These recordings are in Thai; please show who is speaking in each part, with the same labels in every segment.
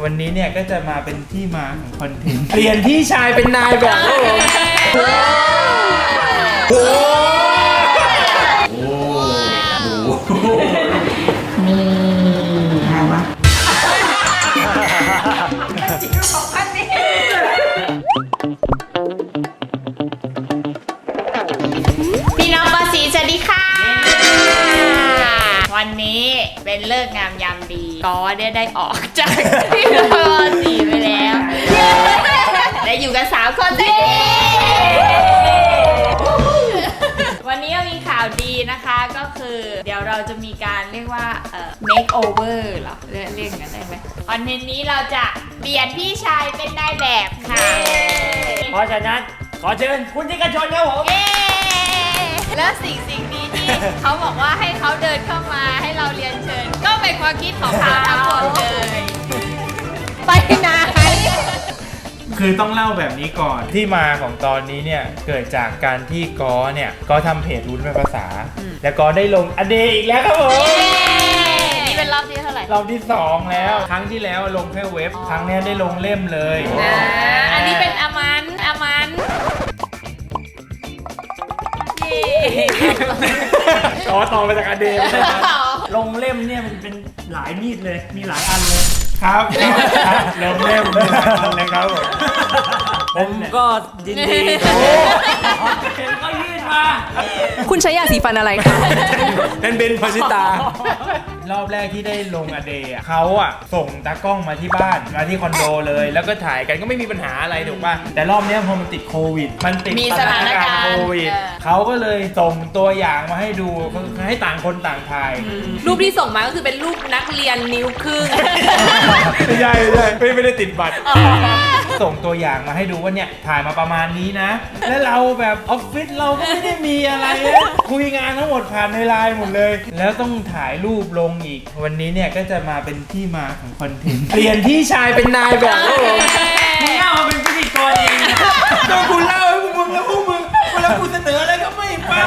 Speaker 1: วันนี้เนี่ยก็จะมาเป็นที่มาของคอนเทนต์เปลี่ยนพี่ชายเป็นนายแบบโอ้โห
Speaker 2: นี่ใครวะ
Speaker 3: พี่น้องปอสีสวัสดีค่ะวันนี้เป็นเลิกงามยามดีก็ได้ออกจากพี่น้องปอสีไปแล้วได้อยู่กัน3 คนสิวันนี้มีข่าวดีนะคะก็คือเดี๋ยวเราจะมีการเรียกว่าmake over เหรอเรียกกันได้ไหมคอนเทนต์นี้เราจะเปลี่ยนพี่ชายเป็นนายแบบค่ะ
Speaker 4: เพราะฉะนั้นขอเชิญคุณที่กระชนครับผม
Speaker 3: แล้วสิ่งนี้ที่เขาบอกว่าให้เขาเดินเข้ามาให้เราเรียนเชิญก็เป็นความคิดของเขาทั้งหมดเลยไปไหน
Speaker 1: คือต้องเล่าแบบนี้ก่อนที่มาของตอนนี้เนี่ยเกิดจากการที่ก็ทำเพจวุ้นเป็นภาษาแล้วก็ได้ลงอเดย์อีกแล้วครับผม
Speaker 3: นี่เป็นรอบที่เท่าไหร่
Speaker 1: รอบที่2แล้วครั้งที่แล้วลงแค่เว็บครั้งนี้ได้ลงเล่มเลย
Speaker 3: อันนี้เป็นอมัน
Speaker 1: ต่อมาจากอเดย์
Speaker 4: ลงเล่มเนี่ยมันเป็นหลายมีดเลยมีหลายอันเลย
Speaker 1: ครับลงเล่มเลยครับ
Speaker 4: ผมก็ยินดีก็ยื่นมา
Speaker 2: คุณใช้ยาสีฟันอะไรคะ
Speaker 1: เป็นเบนพาชิตารอบแรกที่ได้ลงอเดย์เขาส่งตากล้องมาที่บ้านมาที่คอนโดเลยแล้วก็ถ่ายกันก็ไม่มีปัญหาอะไรถูกป่ะแต่รอบนี้พอมันติดโควิดมันติด
Speaker 3: สถานการณ์
Speaker 1: โควิดเขาก็เลยส่งตัวอย่างมาให้ดูให้ต่างคนต่างถ่าย
Speaker 2: รูปที่ส่งมาก็คือเป็นรูปนักเรียนนิ้วครึ่ง
Speaker 1: ไม่ใช่ไม่ได้ติดบัตรส่งตัวอย่างมาให้ดูว่าเนี่ยถ่ายมาประมาณนี้นะแล้วเราแบบออฟฟิศเราก็ไม่ได้มีอะไรคุยงานทั้งหมดผ่านในไลน์หมดเลยแล้วต้องถ่ายรูปลงอีกวันนี้เนี่ยก็จะมาเป็นที่มาของคอนเทนต์เปลี่ยนพี่ชายเป็นนายแบบ
Speaker 4: มึงเล่าเป็นพิธีกรเอง
Speaker 1: ก็กูเล่าให้พวกมึงแล้วพวกมึงเวลากูเสนออะไรก็ไม่ฟัง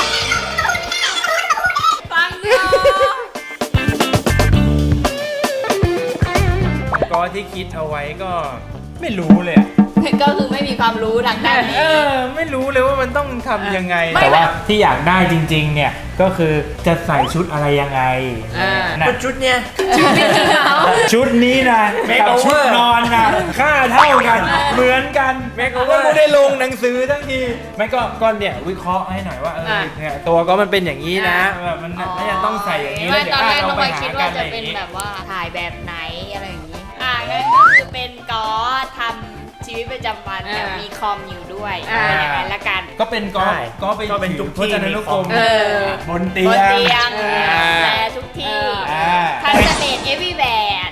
Speaker 1: ก็ที่คิดเอาไว้ก็ไม่รู้เลย
Speaker 3: ก็คือไม่มีความรู้ทางด้านนี้
Speaker 1: ไม่รู้เลยว่ามันต้องทำยังไงแต่ว่าที่อยากได้จริงๆเนี่ยก็คือจะใส่ชุดอะไรยังไง
Speaker 4: ชุดเนี้ย
Speaker 1: ชุดนี้นะกับชุดนอนนะค่าเท่ากันเหมือนกันแม้ก็ไม่ได้ลงหนังสือทั้งทีไม่ก็เนี่ยวิเคราะห์ให้หน่อยว่าเนี่ยตัวก็มันเป็นอย่างนี้นะมันน่าจะต้องใส่อย่างนี้แล้วเดี๋ยวเราไปหากันอะไรอย่างนี้
Speaker 3: แบบว่าถ่ายแบบไหนอะไรอย่างนี้งั้นก็คือเป็นก็ทำชีวิตประจำวันแต่มีคอมอยู่ด้วยอย่างนั้นละกัน
Speaker 1: ก็เป็นก็เป็นทุกที่ในลูกกลมบนเตียง
Speaker 3: แต่ทุกที่ทันสเตจเอวีแวร์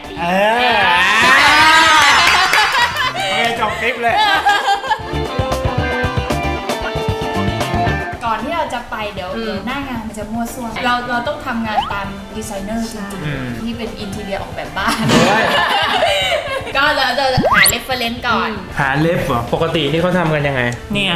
Speaker 1: จบคลิปเลย
Speaker 3: ก่อนที่เราจะไปเดี๋ยวหน้างานมันจะมั่วซั่วเราต้องทำงานตามดีไซเนอร์จริงๆที่เป็นอินทีเรียออกแบบบ้านก็เราจะหาเรฟเฟอเรนซ์ก่อน
Speaker 1: หาเล็บเหรอปกตินี่เขาทำกันยังไง
Speaker 4: เนี่ย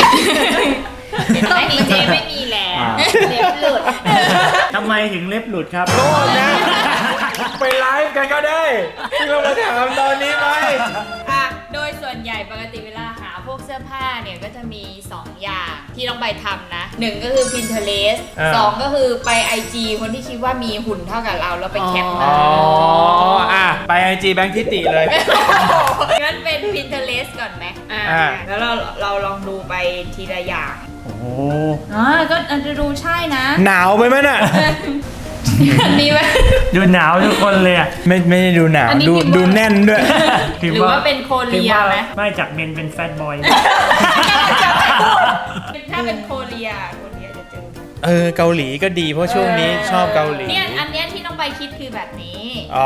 Speaker 3: ไม่มีเจไม่มีแล้วเล็บหลุด
Speaker 4: ทำไมถึงเล็บหลุดครับ
Speaker 1: โทษนะไปไลฟ์กันก็ได้ที่เรามาถามตอนนี้ไหม
Speaker 3: โดยส่วนใหญ่ปกติเวลาหาพวกเสื้อผ้าเนี่ยก็จะมี2อย่างที่ต้องไปทำนะ1ก็คือ Pinterest 2ก็คือไป IG คนที่คิดว่ามีหุ่นเท่ากับเราแล้วไปแคปมา
Speaker 1: ไป IG แบงค์ทิติเลย
Speaker 3: งั้นเป็น Pinterest ก่อนไหมแล้วเราลองดูไปทีละอย่างก็อาจจะดูใช่นะ
Speaker 1: หนาวไปไหมน่ะ
Speaker 3: นี่ไหม
Speaker 4: ดูหนาวทุกคนเลย
Speaker 1: ไม่ได้ดูหนาวดูแน่นด้วย
Speaker 3: หรือว่าเป็นโคเรียไหม
Speaker 4: ไม่จากเมนเป็นแฟตบอย
Speaker 3: ถ้าเป็นโคเรียจะเจ
Speaker 1: อเกาหลีก็ดีเพราะช่วงนี้ชอบเกาหลี
Speaker 3: เนี่ยอันเนี้ยที่ต้องไปคิดคือแบบนี้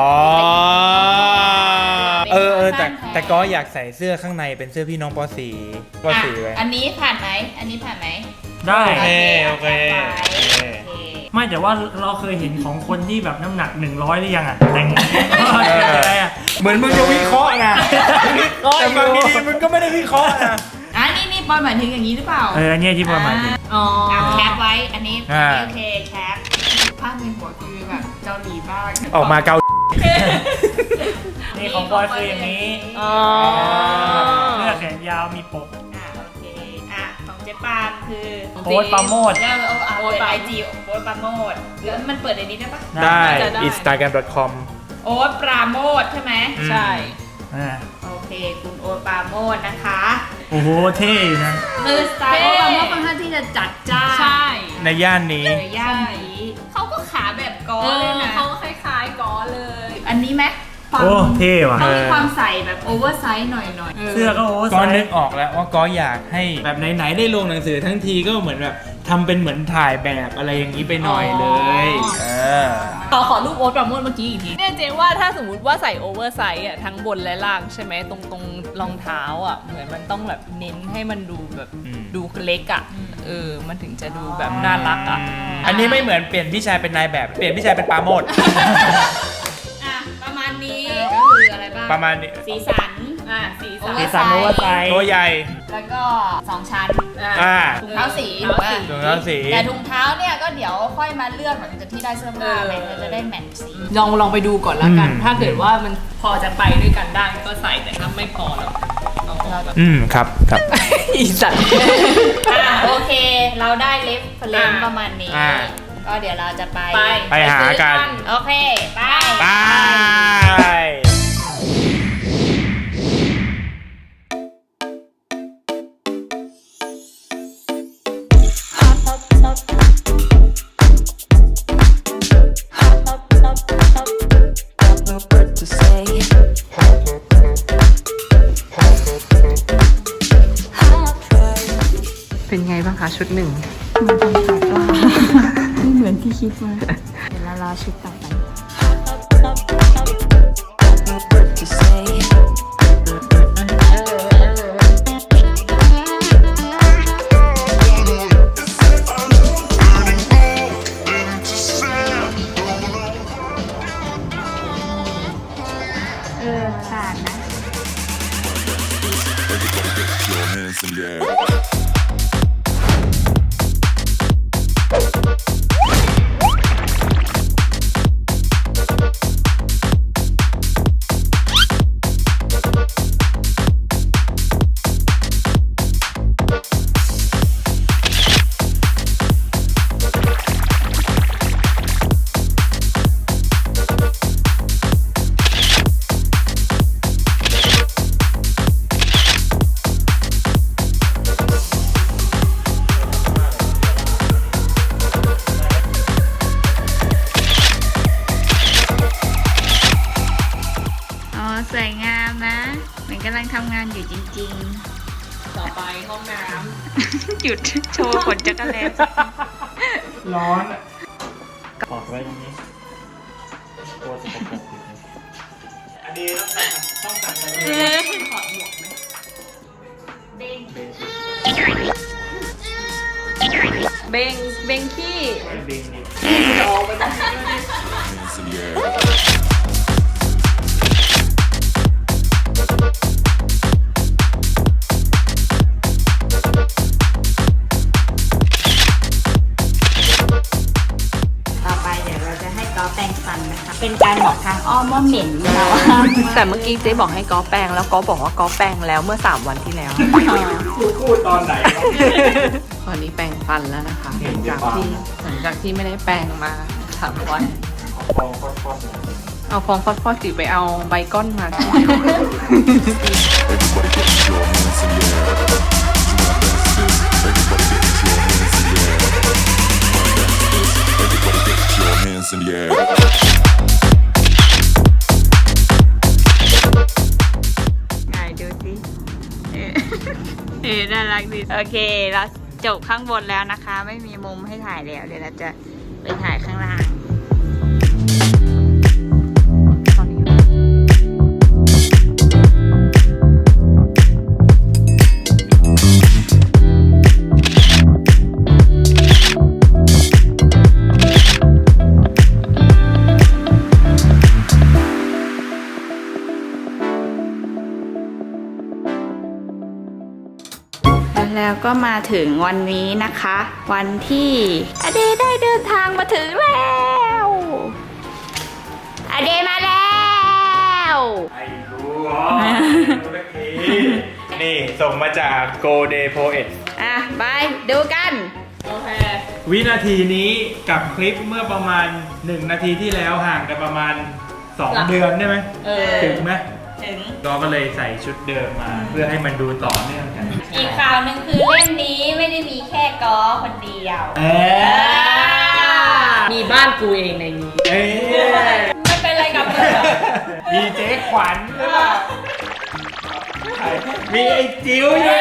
Speaker 1: แต่ก็อยากใส่เสื้อข้างในเป็นเสื้อพี่น้องป.4ไว้
Speaker 3: อันนี้ผ่านไหม
Speaker 4: ได้
Speaker 1: โอเค
Speaker 4: ไม่แต่ว่าเราเคยเห็นของคนที่แบบน้ำหนัก100หรือยังแต่งอะไร
Speaker 1: เหมือนมึงจะวิเคราะห์นะแต่บางทีมึงก็ไม่ได้วิเคราะห์นะ
Speaker 3: นี่ปอยหมายถึงอย่างนี้หรือเปล่า
Speaker 4: เนี่ยที่ปอยหมายถึง
Speaker 3: แคปไว้อันนี้โอเคแคปภาพในหัวคือแบบเกาหลีบ้าง
Speaker 1: ออกมาเกา
Speaker 4: นี่ของบอยคืออย่างนี้
Speaker 2: อ๋อ
Speaker 4: เสื้อแขนยาวมีปก
Speaker 3: โอเคของเจ๊ปานคือ
Speaker 4: โค้ดปราโมท
Speaker 3: แล้วเปิด IG โอ๊ตปราโมทแล้วมันเปิดในนี้ได้ปะ
Speaker 1: ได้
Speaker 2: จะได้
Speaker 1: instagram.com
Speaker 3: โอ๊ตปราโมทใช่ไหม
Speaker 2: ใช่
Speaker 3: โอเคคุณโอ๊ตปราโมทนะคะ
Speaker 4: โอ้โหเท่นะ
Speaker 3: คือสไตล์โอ๊ตปราโมทค่อนข้างที่จะจัดจ้าน
Speaker 2: ใช่
Speaker 1: ในย่านนี้
Speaker 3: ในย่านนี้เขาก็ขาแบบกอ
Speaker 2: เอ
Speaker 3: เลย
Speaker 2: อ
Speaker 3: นะ
Speaker 2: เขาคล้ายๆกอเลย
Speaker 3: อันนี้ไหมความ
Speaker 4: โอ้เท่ว่ะ
Speaker 3: เขามีความใส่แบบโอเวอร์ไซส์หน่อย
Speaker 4: เสื้อก็โอ้ไซ
Speaker 1: ก็นึก
Speaker 4: ส์
Speaker 1: ออกแล้วว่าก็อยากให้แบบไหนๆได้ลงหนังสือทั้งทีก็เหมือนแบบทำเป็นเหมือนถ่ายแบบอะไรอย่างนี้ไปหน่อยเลย
Speaker 2: ขอรูปโอ๊ตปราโมทเมื่อกี้อีกทีเนี่ยเจ๊ว่าถ้าสมมติว่าใส่โอเวอร์ไซส์อ่ะทั้งบนและล่างใช่ไหมตรงรองเท้าอ่ะเหมือนมันต้องแบบเน้นให้มันดูแบบดูเล็กอ่ะมันถึงจะดูแบบน่ารักอ่ะ
Speaker 1: อันนี้ไม่เหมือนเปลี่ยนพี่ชายเป็นนายแบบเปลี่ยนพี่ชายเป็นปราโมท
Speaker 3: ประมาณนี้ก็คืออะไรบ้าง
Speaker 1: ประมาณนี้
Speaker 3: สีสัน
Speaker 2: สี
Speaker 3: โอ
Speaker 2: สัน
Speaker 3: เวอ
Speaker 4: สี
Speaker 3: ร์
Speaker 4: สันโอเวอร์ไซส์
Speaker 1: ตัวใหญ่
Speaker 3: แล้วก็2ชั้น ถุงเท้าสี
Speaker 2: ถุงเท้าสี
Speaker 1: ถุงเท้าสี
Speaker 3: แต่ถุงเท้าเนี่ยก็เดี๋ยวค่อยมาเลือกหลังจากที่ได้เสื้อผ้าไปจะได้แมทช์สี
Speaker 2: ลองไปดูก่อนแล้วกัน
Speaker 1: อืม
Speaker 2: ถ้าเกิดว่ามันพอจะไปด้วยกันได้ก็ใส่แต่ถ้าไม่พอแล้วเอาออกแบบ
Speaker 1: ครับ
Speaker 2: อีสัตว์
Speaker 3: โอเค เราได้เล็บเลนประมาณนี้
Speaker 1: อ่า
Speaker 3: ก็เดี๋ยวเราจะไป
Speaker 1: ไปหากัน
Speaker 3: โอเค ไป
Speaker 1: ไป
Speaker 2: เป็นไงบ้างคะชุดหนึ่ง
Speaker 3: เดี๋ยวเรารอชุดต่อไป ขาดนะ
Speaker 5: your hands in the air.
Speaker 3: อ๋อ สวยงามนะ เหมือนกำลังทำงานอยู่จริง
Speaker 2: ต่อไปห้องน้
Speaker 3: ๆ หยุดโชว์ขนจักรแล
Speaker 1: ร้อน
Speaker 4: ปอดไว้ตรงนี้ตัวสกปรกอยู่นี่
Speaker 1: อันนี้ต้องสั่งอะไร
Speaker 2: ำถอดหมวกไหม เบงขี้
Speaker 1: เบงนี่
Speaker 5: Hands in the air.
Speaker 3: ต่อไปเดี๋ยวเราจะให้ก๊อฟแปรงฟันนะคะ เป็นการบอกทางอ้อมว่าเหม็นเรา
Speaker 2: แต่เมื่อกี้เจ๊บอกให้กอแปรงแล้วกอบอกว่ากอแปรงแล้วเมื่อ 3 วันที่แล้ว
Speaker 1: พูดตอนไหน
Speaker 2: ตอนนี้แปรงฟันแล้วนะคะหลังจากที่ไม่ได้แปรงมา3 วัน เอาฟองฟอดๆสิไปเอาใบก้อนมา
Speaker 5: Everybody get your hands in the air. Everybody get your hands in the air.
Speaker 3: ไหนดูสิน่ารักดี โอเค เราจบข้างบนแล้วนะคะ ไม่มีมุมให้ถ่ายแล้ว เดี๋ยวเราจะไปถ่ายข้างล่าง แล้วก็มาถึงวันนี้นะคะ วันที่อเดย์ได้เดินทางมาถึงแล้วอเดย์มาแล้วว
Speaker 1: ไอ้รู้นี่ส่งมาจาก Go Day Poet
Speaker 3: อ่ะ ไปดูกัน
Speaker 2: โอเค
Speaker 1: วินาทีนี้กับคลิปเมื่อประมาณ 1 นาทีที่แล้วห่างกันประมาณ 2 เดือนได้ไหม ถึงไหม
Speaker 3: ถึง
Speaker 1: ก็เลยใส่ชุดเดิมมา เพื่อให้มันดูต่อเนื่องกัน
Speaker 3: อีกข่าวหนึ่งคือเล่มนี้ไม่ได้มีแค่กอคนเดียว
Speaker 2: มีบ้านกูเองในนี้
Speaker 1: เอ้ย
Speaker 3: มันเป็นอะไรกับมึง
Speaker 1: มีเจ๊ขวัญหรือเปล่ามีไอ้จิ๋วอยู่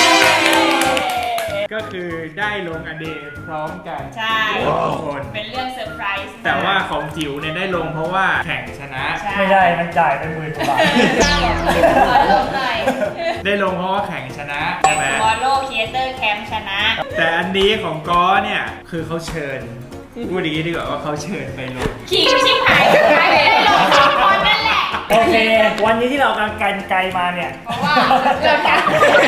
Speaker 1: ก็คือได้ลงอเดย์พร้อมกัน
Speaker 3: ใช่
Speaker 1: ทุกคน
Speaker 3: เป็นเรื่องเซอร์ไพรส์
Speaker 1: แต่ว่าของจิ๋วเนี่ยได้ลงเพราะว่าแข่งชนะ
Speaker 4: ไม่ได้มันจ่ายไป10,000 กว่าบาท
Speaker 3: ขอลงหน่อย
Speaker 1: ได้ลงเพราะว่าแข่งชนะใช่ไหม
Speaker 3: บอลโลครีเอเตอร์แคมป์ชนะ
Speaker 1: แต่อันนี้ของก้อเนี่ยคือเขาเชิญพูดอย่างนี้ดีกว่าว่าเขาเชิญไปลง
Speaker 3: ขิงชิบหายสุดท้ายไม่ได้ลงสองคนนั่นแหละ
Speaker 4: โอเค วันนี้ที่เรากำลังกันไกลมาเนี่ย
Speaker 3: เพราะว่าเกิดกัน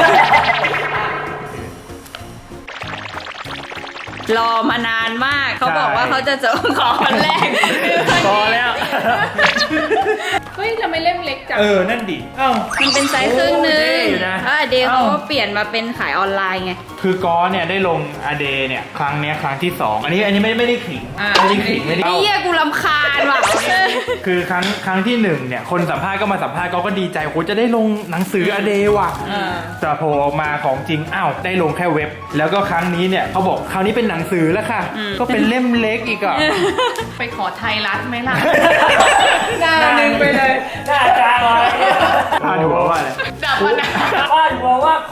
Speaker 3: รอมานานมาก เขาบอกว่าเขาจะเจอขอคนแรก
Speaker 4: พอแล้ว
Speaker 2: เฮ้ยทำไมเล่มเล็กจัง
Speaker 1: นั่นดิเอ้า
Speaker 3: มันเป็นไซส์ครึ่งหนึง
Speaker 1: โอ้เท่อยู่นะ
Speaker 3: เดย์เขาก็เปลี่ยนมาเป็นขายออนไลน์ไง
Speaker 1: คือก้อเนี่ยได้ลงอเดย์เนี่ยครั้งเนี้ยครั้งที่ 2 อันนี้ไม่ได้ขิง
Speaker 2: อ่า
Speaker 1: ไม่ได้ขิงไม่ได้
Speaker 3: ไอ้เหี้ยกูรำคาญว่ะ
Speaker 1: คือครั้งที่1เนี่ยคนสัมภาษณ์ก็มาสัมภาษณ์ก็ดีใจโหจะได้ลงหนังสืออเดย์ว่ะแต่โผล่ออกมาของจริงอ้าวได้ลงแค่เว็บ แล้วก็ครั้งนี้เนี่ยเขาบอกคราวนี้เป็นหนังสือแล้วค่ะ ก็เป็นเล่มเล็กอีกอ่ะ
Speaker 2: ไปขอไทยรัฐไหมล่ะ หน้าหนึ่งไปเลย
Speaker 4: หน้าจางเลย
Speaker 1: พาดหัวว่าอะไร
Speaker 2: ดับมันนะ
Speaker 4: ว่าหัวว่า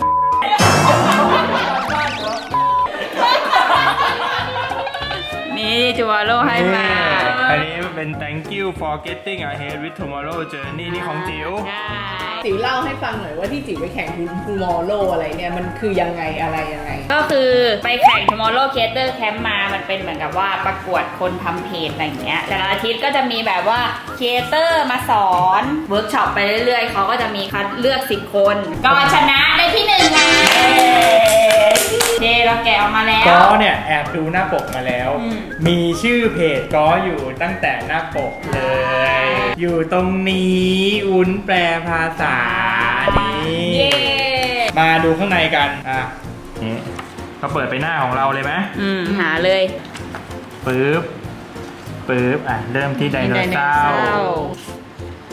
Speaker 3: นี่จูวาโลให้มา
Speaker 1: อันนี้เป็น thank you for getting ahead with tomorrow journey นี่ของจิ๋ว
Speaker 3: ใช่
Speaker 2: จิ๋วเล่าให้ฟังหน่อยว่าที่จิ๋วไปแข่งทูมอร์โลอะไรเนี่ยมันคือยังไงอะไรยังไง
Speaker 3: ก็คือไปแข่ง Tomorrow Creator Camp มา มันเป็นเหมือนกับว่าประกวดคนทำเพจอะไรอย่างเงี้ย แต่ละอาทิตย์ก็จะมีแบบว่าครีเอเตอร์มาสอนเวิร์กช็อปไปเรื่อยๆ เขาก็จะมีคัดเลือก10 คน ก็ชนะได้ที่1ไงเดเราแกะออกมาแล้ว
Speaker 1: ก้อเนี่ยแอบดูหน้าปกมาแล้ว มีชื่อเพจก้ออยู่ตั้งแต่หน้าปกเลย อยู่ตรงนี้วุ้นแปลภาษานี่
Speaker 3: เย้
Speaker 1: มาดูข้างในกันนี่ก็เปิดไปหน้าของเราเลยไหม
Speaker 3: หาเลย
Speaker 1: ปึ๊บเริ่มที่ไดโนเสาร์โอ้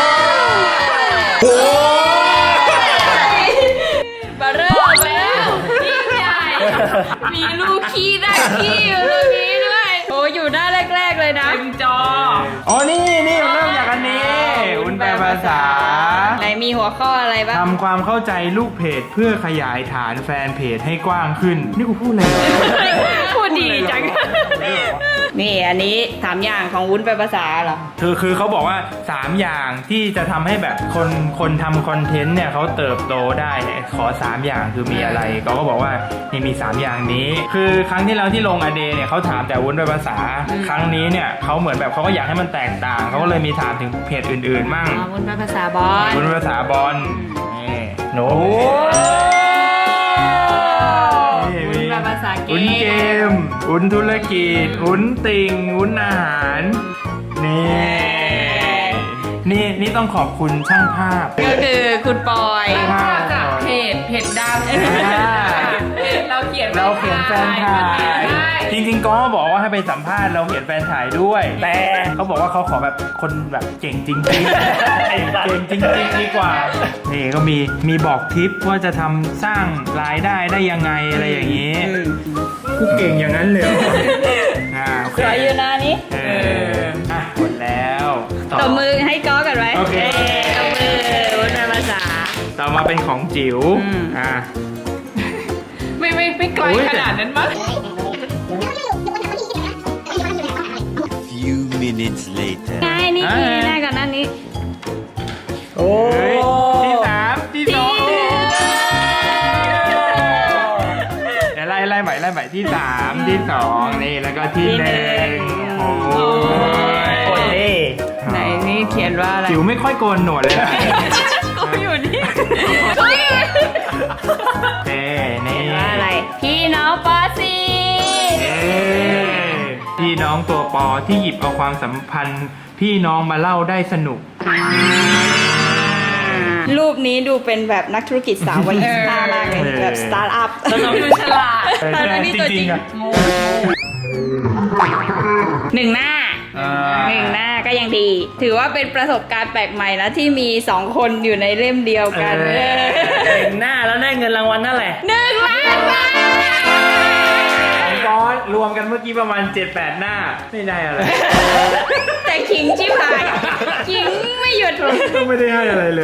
Speaker 3: บาร์เริ่มแล้วยิ่งใหญ่ มีลูกขี้ได้ขี้อยู่ตรงนี้ด้วย โอ้อยู่หน้าแรกๆเลยนะ
Speaker 2: เต็มจอ
Speaker 1: อ๋อนี่เริ่มจากอันนี้วุ้นแปลภาษา
Speaker 3: ไหนมีหัวข้ออะไรบ้าง
Speaker 1: ทำความเข้าใจลูกเพจเพื่อขยายฐานแฟนเพจให้กว้างขึ้น นี่กูพูดอะไรเหรอ
Speaker 3: พูดดีจัง นี่อันนี้3อย่างของวุ้นเป็นภาษาเหรอ
Speaker 1: คือเขาบอกว่า 3 อย่างที่จะทำให้แบบคนทำคอนเทนต์เนี่ยเขาเติบโตได้เนี่ยขอ 3 อย่างคือมีอะไรก็บอกว่านี่มี 3 อย่างนี้ คือครั้งที่แล้วที่ลงอเดย์เนี่ยเขาถามแต่วุ้นเป็นภาษา ครั้งนี้เนี่ยเขาเหมือนแบบเขาก็อยากให้มันแตกต่างเขาก็เลยมีถามถึงเพจอื่นๆมั่ง
Speaker 3: วุ้นเป็นภาษาบอล
Speaker 1: วุ้นเป็นภาษาบอลนี่โน้
Speaker 3: วุ้นเป็นภาษาเก
Speaker 1: วุ้นเก
Speaker 3: ม
Speaker 1: มวุ้นธุรกิจวุ้นติ่งวุ้นอาหารนี่ต้องขอบคุณช่างภาพ
Speaker 3: ก็คือคุณปอย
Speaker 1: ภาพ
Speaker 2: จากเพจดังเราเขียน
Speaker 1: แฟนถ่ายจริงๆก็บอกว่าให้ไปสัมภาษณ์เราเขียนแฟนถ่ายด้วย แต่เขาบอกว่าเขาขอแบบคนแบบเก่งจริงๆเก่งจริงๆดีกว่านี่ก็มีบอกทิปว่าจะทำสร้างรายได้ได้ยังไงอะไรอย่างนี้กูเก่งอย่างนั้นเลยโอเค
Speaker 3: สวยอยู่นะนี่
Speaker 1: หมดแล้ว
Speaker 3: ตบมือให้ก้อกันไว้
Speaker 1: โอเค
Speaker 3: ตบมือวุ้นเป็นภาษา
Speaker 1: ต่อมาเป็นของจิ๋ว
Speaker 2: ไม่ไกลขนาดนั้นมั้ง
Speaker 5: Few minutes later.
Speaker 3: ไงนี่ทีแรกกันนั่นนี้
Speaker 1: โอ้ยที่3ที่2เดี๋ยวไล่ใหม่ที่3ที่2นี่แล้วก็ที่1โอ้ย
Speaker 4: โอ้ย
Speaker 3: ไหนนี่เขียนว่าอะไร
Speaker 1: จิ๋วไม่ค่อยโกนหนวดเลยนะ
Speaker 3: ก็อยู่นี่
Speaker 1: นี่
Speaker 3: ว่าอะไร พี่น้องปอซี
Speaker 1: พี่น้องตัวปอที่หยิบเอาความสัมพันธ์พี่น้องมาเล่าได้สนุก
Speaker 6: รูปนี้ดูเป็นแบบนักธุรกิจสาววัย25มากเลยแบบสตาร์ทอัพ
Speaker 2: แล้วเราดูฉลาด
Speaker 6: ทั้งที่ตัวจริง หนึ่งหน้าก็ยังดี ถือว่าเป็นประสบการณ์แปลกใหม่นะที่มี2คนอยู่ในเล่มเดียวกัน
Speaker 4: เห็นหน้าแล้วได้เงินรางวัลนั่นแหละ
Speaker 6: 1 ล้านบาท
Speaker 1: ของบอสรวมกันเมื่อกี้ประมาณ 7-8 หน้า ไม่ได้อะไร
Speaker 6: แต่ขิงชิบหายขิงไม่หยุด
Speaker 1: ก็ไม่ได้ให้อะไรเลย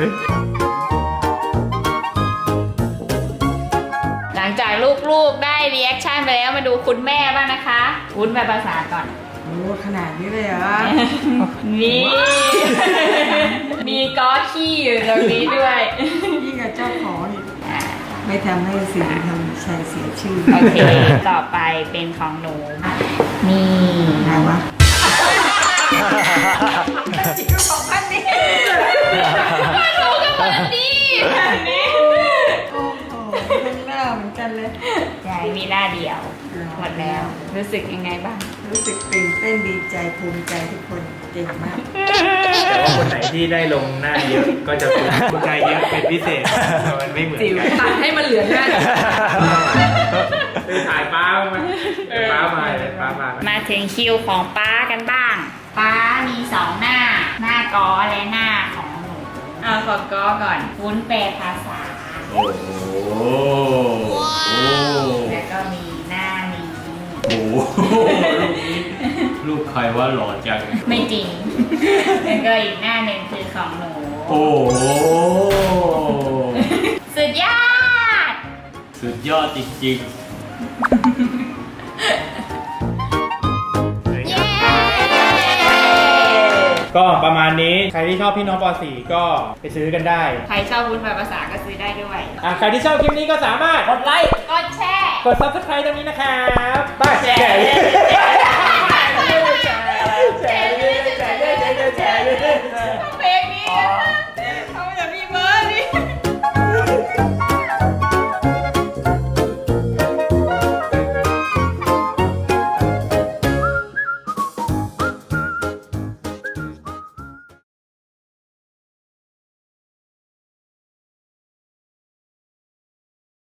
Speaker 3: หลังจากลูกๆได้รีแอคชั่นไปแล้วมาดูคุณแม่บ้างนะคะวุ้นแปลภาษาก่อน
Speaker 7: โอ้ขนาดนี้เลยเหรอ
Speaker 3: นี่ มีก้อขี้อยู่ตรงนี้ด้วย
Speaker 7: ยิ่งกับเจ้าของอีกไม่ทำให้สื่อทำชายเสียชื่อ
Speaker 3: โอเค ต่อไปเป็นของหนู นี่
Speaker 7: ใครวะ
Speaker 3: รู้กันหมดนี่แบบนี้
Speaker 7: โอ้โหทั้งหน้าเหมือนกันเลย
Speaker 3: ยายมีหน้าเดียวหมดแล้ว รู้สึกยังไงบ้าง
Speaker 7: รู้สึกตื่นเต้นดีใจภูมิใจทุกคนเก่งมาก
Speaker 1: แต่ว่าคนไหนที่ได้ลงหน้าเยอะก็จะภูมิใจเยอะเป็นพิเศษ มันไม่เหมือน
Speaker 2: จิ๋ว
Speaker 1: กัน
Speaker 2: ตัดให้มันเหลือหน้า
Speaker 1: ไปถ่ายป้าบ้างไหมป้ามาเลยป้ามา
Speaker 3: มาถึงคิวของป้ากันบ้าง ป้ามี2 หน้า หน้ากอและหน้าของหนูเอาขอกอก่อนวุ้นแปลภาษา
Speaker 1: โอ้โห
Speaker 3: แล้วก็มีหน้านี้
Speaker 1: โอ้โหรูปนี้รูปใครว่าหล่อจัง
Speaker 3: ไม่จริง แล้วก็อีกหน้าหนึ่งคือของหนู
Speaker 1: โอ้โห
Speaker 3: สุดยอด
Speaker 1: สุดยอดจริง
Speaker 3: เย้
Speaker 1: ๆ ก็ประมาณนี้ ใครที่ชอบพี่น้องป .4 ก็ไปซื้อกันได้
Speaker 3: ใครชอบวุ้นแปลภาษาก็ซื้อได้ด้วย
Speaker 1: ใครที่ชอบคลิปนี้ก็สามารถกดไลค์
Speaker 3: กดแชร์
Speaker 1: กด subscribe ตรงนี้นะครับ ไป
Speaker 3: แชร์